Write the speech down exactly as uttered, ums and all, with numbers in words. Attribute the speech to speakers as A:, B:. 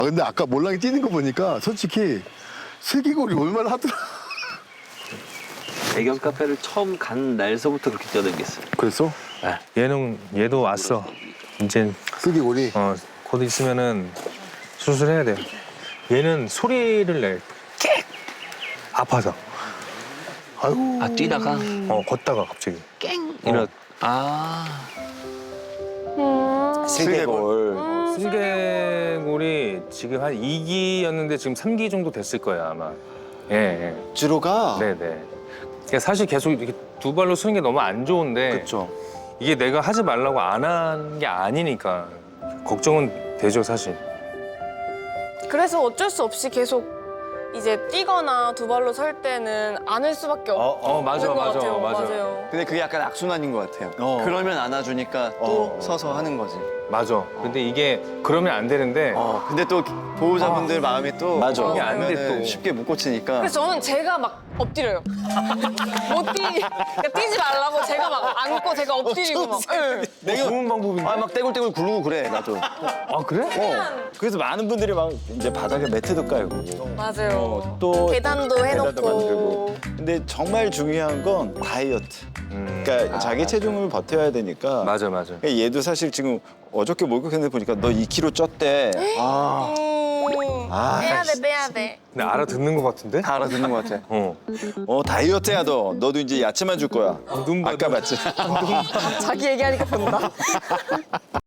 A: 아, 근데 아까 몰랑이 뛰는 거 보니까 솔직히 슬기골이 얼마나 하더라.
B: 애견 카페를 처음 간 날서부터 그렇게 뛰어다녔어요.
A: 그랬어?
C: 얘는 얘도 왔어. 이제
A: 슬기골이?
C: 어, 곧 있으면은 수술해야 돼. 얘는 소리를 내. 깨! 아파서.
A: 아유.
B: 아 뛰다가
C: 어, 걷다가 갑자기.
B: 깽 이런. 아.
D: 슬개골.
C: 어, 슬개골이 지금 한 이 기였는데 지금 삼 기 정도 됐을 거야, 아마. 예, 예.
D: 주로가.
C: 네네. 그러니까 사실 계속 이렇게 두 발로 서는 게 너무 안 좋은데
D: 그렇죠.
C: 이게 내가 하지 말라고 안 한 게 아니니까 걱정은 되죠, 사실.
E: 그래서 어쩔 수 없이 계속 이제 뛰거나 두 발로 설 때는 안을 수밖에 없는
C: 어, 맞아,
E: 것
C: 맞아,
E: 같아요.
C: 맞아.
E: 맞아요.
F: 근데 그게 약간 악순환인 것 같아요.
D: 어.
F: 그러면 안아주니까 또
D: 어.
F: 서서 하는 거지.
C: 맞아. 근데 이게 그러면 안 되는데
F: 어. 근데 또 보호자분들 마음이 또
D: 맞아.
F: 어,
C: 이게 안 돼,
F: 그러면은
C: 또.
F: 쉽게 못 고치니까.
E: 그래서 저는 제가 막 엎드려요. 못 뛰, 그러니까 뛰지 말라고 제가 막 안고 제가 엎드리고 막. 예.
C: 내가 좋은 방법인데.
F: 아 막 떼굴떼굴 굴르고 그래 나도.
C: 아, 그래?
D: 그래서 많은 분들이 막 이제 바닥에 매트도 깔고
E: 맞아요.
D: 또
E: 계단도
D: 계단도
E: 해놓고.
D: 만들고. 근데 정말 중요한 건 다이어트.
C: 음.
D: 그러니까 자기 체중을 버텨야 되니까.
C: 맞아, 맞아.
D: 그러니까 얘도 사실 지금 어저께 목욕했는데 보니까 너 이 킬로그램 쪘대. 아.
E: 음,
D: 아,
E: 빼야 돼, 빼야 돼.
C: 근데 알아듣는 것 같은데?
F: 다 알아듣는 것 같아.
C: 어.
D: 어 다이어트야 너. 너도 이제 야채만 줄 거야.
C: 눈 봐도-
D: 아까 봤지.
E: 자기 얘기하니까 본다.